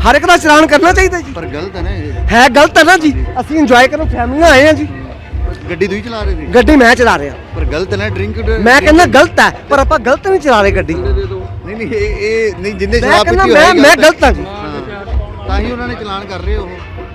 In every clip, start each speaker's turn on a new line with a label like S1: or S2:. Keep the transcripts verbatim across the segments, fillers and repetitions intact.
S1: हर एक का चलान करना चाहिए जी।
S2: पर गलत है ना ये,
S1: है गलत है ना जी, ਅਸੀਂ ਇੰਜੋਏ ਕਰਨ ਫੈਮਲੀਆਂ ਆਏ ਆ ਜੀ।
S2: ਗੱਡੀ ਤੁਸੀਂ ਚਲਾ ਰਹੇ ਸੀ?
S1: ਗੱਡੀ ਮੈਂ ਚਲਾ ਰਿਹਾ।
S2: ਪਰ ਗਲਤ ਹੈ ਨਾ ਡਰਿੰਕ।
S1: ਮੈਂ ਕਹਿੰਦਾ ਗਲਤ ਹੈ, ਪਰ ਆਪਾਂ ਗਲਤ ਨਹੀਂ ਚਲਾ ਰਹੇ ਗੱਡੀ।
S2: ਨਹੀਂ ਨਹੀਂ ਇਹ ਇਹ ਨਹੀਂ, ਜਿੰਨੇ
S1: ਮੈਂ
S2: ਸ਼ਰਾਬ
S1: ਕਹਿੰਦਾ
S2: ਪੀਤੀ
S1: ਮੈਂ
S2: ਹੋਈ
S1: ਮੈਂ ਗਲਤ ਹਾਂ ਜੀ।
S2: ਤਾਂ ਹੀ ਉਹਨਾਂ ਨੇ ਚਲਾਨ ਕਰ ਰਹੇ ਉਹ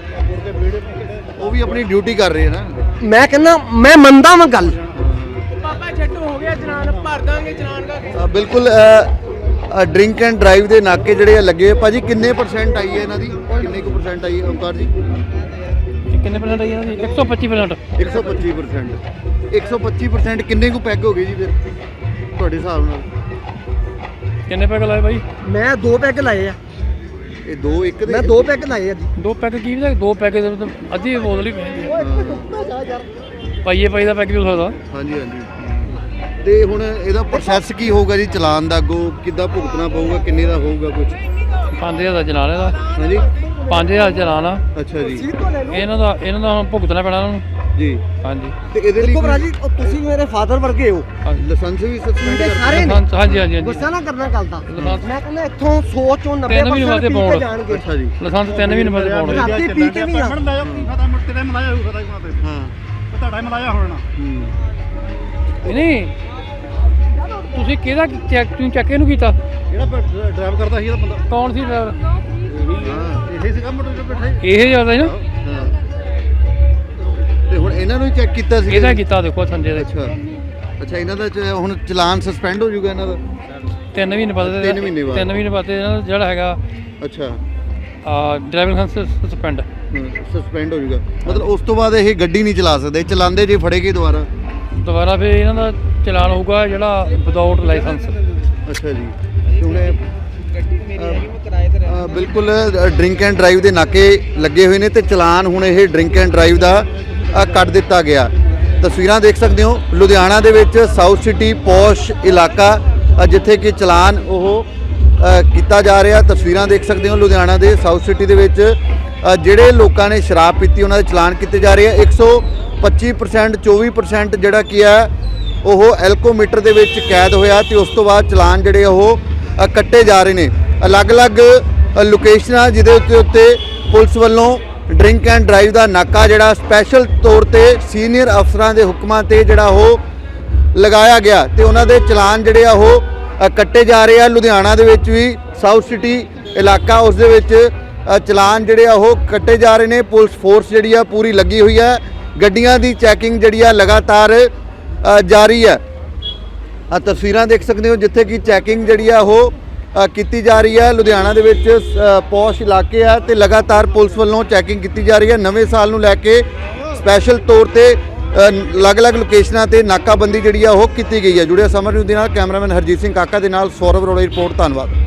S2: ਉਹ ਵੀ ਆਪਣੀ ਡਿਊਟੀ ਕਰ ਰਹੇ ਨਾ।
S1: ਮੈਂ ਕਹਿੰਦਾ ਮੈਂ ਮੰਨਦਾ ਵਾਂ ਗੱਲ।
S3: ਪਾਪਾ ਛੱਡੋ ਹੋ ਗਿਆ ਚਲਾਨ, ਭਰ ਦਾਂਗੇ ਚਲਾਨ ਦਾ।
S2: ਅ, ਬਿਲਕੁਲ ਡਰਿੰਕ ਐਂਡ ਡਰਾਈਵ ਦੇ ਨਾਕੇ ਜਿਹੜੇ ਆ ਲੱਗੇ ਹੋਏ। ਭਾਜੀ ਕਿੰਨੇ ਪਰਸੈਂਟ ਆਈ ਹੈ ਇਹਨਾਂ ਦੀ, ਕਿੰਨੇ ਕੁ ਪਰਸੈਂਟ ਆਈ ਹੈ ਓਮਕਾਰ ਜੀ?
S4: ਕਿੰਨੇ ਪਰਸੈਂਟ ਆਈ ਇਹਨਾਂ ਦੀ? ਇੱਕ ਸੌ ਪੱਚੀ ਪਰਸੈਂਟ।
S2: ਇੱਕ ਸੌ ਪੱਚੀ ਪਰਸੈਂਟ ਇੱਕ ਸੌ ਪੱਚੀ ਪਰਸੈਂਟ ਕਿੰਨੇ ਕੁ ਪੈਗ ਹੋ ਗਏ ਜੀ ਫਿਰ ਤੁਹਾਡੇ ਹਿਸਾਬ ਨਾਲ?
S4: ਕਿੰਨੇ ਪੈਗ ਲਾਏ ਬਾਈ?
S1: ਮੈਂ ਦੋ ਪੈਗ ਲਾਏ ਆ।
S2: ਇਹ ਦੋ ਇੱਕ ਦੇ
S1: ਮੈਂ ਦੋ ਪੈਗ ਲਾਏ ਆ ਜੀ।
S4: ਦੋ ਪੈਗ ਕੀ ਵੀ ਦੋ ਪੈਗ ਦੇ ਮਤਲਬ ਅੱਧੀ ਬੋਤਲ ਹੀ ਪੈਂਦੀ ਹੈ। ਪਾਈਏ ਪਾਈ ਦਾ ਪੈਗ ਵੀ ਹੋ ਸਕਦਾ।
S2: ਹਾਂਜੀ ਹਾਂਜੀ। ਤੇ ਹੁਣ ਇਹਦਾ ਪ੍ਰੋਸੈਸ ਕੀ ਹੋਊਗਾ ਜੀ ਚਲਾਨ ਦਾ? ਅੱਗੋਂ ਕਿੱਦਾਂ ਭੁਗਤਣਾ ਪਊਗਾ? ਕਿੰਨੇ ਦਾ ਹੋਊਗਾ ਕੁਝ?
S4: ਪੰਜ ਹਜ਼ਾਰ ਦਾ ਚਲਾਨ ਇਹਦਾ।
S2: ਹਾਂਜੀ
S4: ਪੰਜ ਹਜ਼ਾਰ ਚਲਾਨ ਆ
S2: ਅੱਛਾ ਜੀ।
S4: ਇਹਨਾਂ ਦਾ ਇਹਨਾਂ ਦਾ ਹੁਣ ਭੁਗਤਣਾ ਪੈਣਾ ਉਹਨਾਂ ਨੂੰ
S2: ਜੀ।
S4: ਹਾਂਜੀ।
S2: ਤੇ ਇਹਦੇ ਲਈ
S1: ਦੇਖੋ ਭਰਾ ਜੀ, ਉਹ ਤੁਸੀਂ ਮੇਰੇ ਫਾਦਰ ਵਰਗੇ ਹੋ।
S2: ਲਾਇਸੈਂਸ ਵੀ ਸਸਪੈਂਡ ਕਰ
S1: ਸਾਰੇ ਨੇ।
S4: ਲਾਇਸੈਂਸ ਹਾਂਜੀ ਹਾਂਜੀ ਹਾਂਜੀ
S1: ਗੁੱਸਾ ਨਾ ਕਰਨਾ ਗੱਲ ਦਾ।
S4: ਲਾਇਸੈਂਸ
S1: ਮੈਂ ਕਹਿੰਦਾ ਇੱਥੋਂ ਸੌ ਚੋਂ ਨੱਬੇ
S4: ਤਿੰਨ ਮਹੀਨੇ ਵਾਸਤੇ
S1: ਪਰਸੈਂਟ ਪੀ
S4: ਪਾਉਣ।
S1: ਕੇ ਜਾਣਗੇ।
S2: ਅੱਛਾ ਜੀ।
S4: ਲਾਇਸੈਂਸ ਤਿੰਨ ਮਹੀਨੇ ਬਾਅਦ ਪਾਉਣਾ।
S1: ਰਾਤੀ ਪੀ ਕੇ ਵੀ ਆ।
S2: ਹਾਂ
S5: ਤੁਹਾਡਾ ਮਲਾਇਆ ਹੋਣਾ।
S2: ਹੂੰ।
S4: ਨਹੀਂ ਤੁਸੀਂ ਕਿਹਦਾ ਚੈੱਕ ਤੁਸੀਂ ਚੈੱਕ ਇਹਨੂੰ ਕੀਤਾ?
S5: ਜਿਹੜਾ ਡਰਾਈਵ ਕਰਦਾ ਸੀ ਇਹਦਾ ਬੰਦਾ
S4: ਕੌਣ ਸੀ ਡਰਾਈਵਰ?
S2: ਹਾਂ
S5: ਇਹੀ ਸੀਗਾ ਮੋਟਰ ਤੇ ਬੈਠਾ ਸੀ।
S4: ਇਹ ਜਿਆਦਾ ਨਾ
S2: ਹਾਂ। ਤੇ ਹੁਣ ਇਹਨਾਂ ਨੂੰ ਹੀ ਚੈੱਕ ਕੀਤਾ ਸੀ?
S4: ਇਹਦਾ ਕੀਤਾ ਦੇਖੋ ਸੰਜੇ ਦੇ।
S2: ਅੱਛਾ ਅੱਛਾ। ਇਹਨਾਂ ਦਾ ਚ- ਹੁਣ ਚਲਾਨ ਸਸਪੈਂਡ ਹੋ ਜਾਊਗਾ ਇਹਨਾਂ ਦਾ?
S4: ਤਿੰਨ ਮਹੀਨੇ ਬਾਅਦ
S2: ਤਿੰਨ ਮਹੀਨੇ ਬਾਅਦ।
S4: ਤਿੰਨ ਮਹੀਨੇ ਬਾਅਦ ਇਹਨਾਂ ਦਾ ਜਿਹੜਾ ਹੈਗਾ
S2: ਅੱਛਾ
S4: ਡਰਾਈਵਿੰਗ ਲਾਇਸੈਂਸ ਸਸਪੈਂਡ।
S2: ਸਸਪੈਂਡ ਹੋ ਜਾਊਗਾ ਮਤਲਬ ਉਸ ਤੋਂ ਬਾਅਦ ਇਹ ਗੱਡੀ ਨਹੀਂ ਚਲਾ ਸਕਦੇ? ਚਲਾਉਂਦੇ ਜੇ ਫੜੇ ਗਏ ਦੁਬਾਰਾ?
S4: ਦੁਬਾਰਾ ਫਿਰ ਇਹਨਾਂ ਦਾ ਚਲਾਨ ਹੋਊਗਾ ਜਿਹੜਾ ਵਿਦਆਊਟ ਲਾਇਸੈਂਸ।
S2: ਅੱਛਾ ਜੀ। ਤੇ ਹੁਣ ਇਹ, ਅ, ਬਿਲਕੁਲ ਡਰਿੰਕ ਐਂਡ ਡਰਾਈਵ ਦੇ ਨਾਕੇ ਲੱਗੇ ਹੋਏ ਨੇ ਤੇ ਚਲਾਨ ਹੁਣ ਇਹ ਡਰਿੰਕ ਐਂਡ ਡਰਾਈਵ ਦਾ ਅ, ਕੱਟ ਦਿੱਤਾ ਗਿਆ। ਤਸਵੀਰਾਂ ਦੇਖ ਸਕਦੇ ਹੋ ਲੁਧਿਆਣਾ ਦੇ ਵਿੱਚ ਸਾਊਥ ਸਿਟੀ ਪੌਸ਼ ਇਲਾਕਾ ਅ, ਜਿੱਥੇ ਕਿ ਚਲਾਨ ਉਹ ਅ, ਕੀਤਾ ਜਾ ਰਿਹਾ। ਤਸਵੀਰਾਂ ਦੇਖ ਸਕਦੇ ਹੋ ਲੁਧਿਆਣਾ ਦੇ ਸਾਊਥ ਸਿਟੀ ਦੇ ਵਿੱਚ ਅ, ਜਿਹੜੇ ਲੋਕਾਂ ਨੇ ਸ਼ਰਾਬ ਪੀਤੀ ਉਹਨਾਂ ਦੇ ਚਲਾਨ ਕੀਤੇ ਜਾ ਰਹੇ ਆ। ਇੱਕ ਸੌ ਪੱਚੀ ਪਰਸੈਂਟ ਚੌਵੀ ਪਰਸੈਂਟ ਜਿਹੜਾ ਕੀ ਹੈ ਉਹ ਐਲਕੋਮੀਟਰ ਦੇ ਵਿੱਚ ਕੈਦ ਹੋਇਆ ਤੇ ਉਸ ਤੋਂ ਬਾਅਦ ਚਲਾਨ ਜਿਹੜੇ ਉਹ ਅ, ਕੱਟੇ ਜਾ ਰਹੇ ਨੇ। ਅਲੱਗ-ਅਲੱਗ ਅ, ਲੋਕੇਸ਼ਨਾਂ ਜਿਹਦੇ ਉੱਤੇ ਉੱਤੇ ਪੁਲਿਸ ਵੱਲੋਂ ਡਰਿੰਕ ਐਂਡ ਡਰਾਈਵ ਦਾ ਨਾਕਾ ਜਿਹੜਾ ਸਪੈਸ਼ਲ ਤੌਰ ਤੇ ਸੀਨੀਅਰ ਅਫਸਰਾਂ ਦੇ ਹੁਕਮਾਂ ਤੇ ਜਿਹੜਾ ਉਹ ਲਗਾਇਆ ਗਿਆ ਤੇ ਉਹਨਾਂ ਦੇ ਚਲਾਨ ਜਿਹੜੇ ਆ ਉਹ ਅ, ਕੱਟੇ ਜਾ ਰਹੇ ਆ। ਲੁਧਿਆਣਾ ਦੇ ਵਿੱਚ ਵੀ ਸਾਊਥ ਸਿਟੀ ਇਲਾਕਾ ਉਸ ਦੇ ਵਿੱਚ ਅ, ਚਲਾਨ ਜਿਹੜੇ ਆ ਉਹ ਕੱਟੇ ਜਾ ਰਹੇ ਨੇ। ਪੁਲਿਸ ਫੋਰਸ ਜਿਹੜੀ ਆ ਪੂਰੀ ਲੱਗੀ ਹੋਈ ਹੈ। ਗੱਡੀਆਂ ਦੀ ਚੈਕਿੰਗ ਜਿਹੜੀ ਆ ਲਗਾਤਾਰ ਅ, ਜਾਰੀ ਹੈ। ਆ ਤਸਵੀਰਾਂ ਦੇਖ ਸਕਦੇ ਹੋ ਜਿੱਥੇ ਕਿ ਚੈਕਿੰਗ ਜਿਹੜੀ ਆ ਉਹ ਅ, ਕੀਤੀ ਜਾ ਰਹੀ ਹੈ। ਲੁਧਿਆਣਾ ਦੇ ਵਿੱਚ ਅ, ਪੌਸ਼ ਇਲਾਕੇ ਆ ਤੇ ਲਗਾਤਾਰ ਪੁਲਿਸ ਵੱਲੋਂ ਚੈਕਿੰਗ ਕੀਤੀ ਜਾ ਰਹੀ ਹੈ। ਨਵੇਂ ਸਾਲ ਨੂੰ ਲੈ ਕੇ ਸਪੈਸ਼ਲ ਤੌਰ ਤੇ ਅ, ਅਲੱਗ-ਅਲੱਗ ਲੋਕੇਸ਼ਨਾਂ ਤੇ ਨਾਕਾਬੰਦੀ ਜਿਹੜੀ ਆ ਉਹ ਕੀਤੀ ਗਈ ਹੈ। ਜੁੜਿਆ ਸਮਰ ਨਿਊਜ਼ ਦੇ ਨਾਲ ਕੈਮਰਾਮੈਨ ਹਰਜੀਤ ਸਿੰਘ ਕਾਕਾ ਦੇ ਨਾਲ ਸੌਰਵ ਅਰੋੜਾ ਦੀ ਰਿਪੋਰਟ। ਧੰਨਵਾਦ।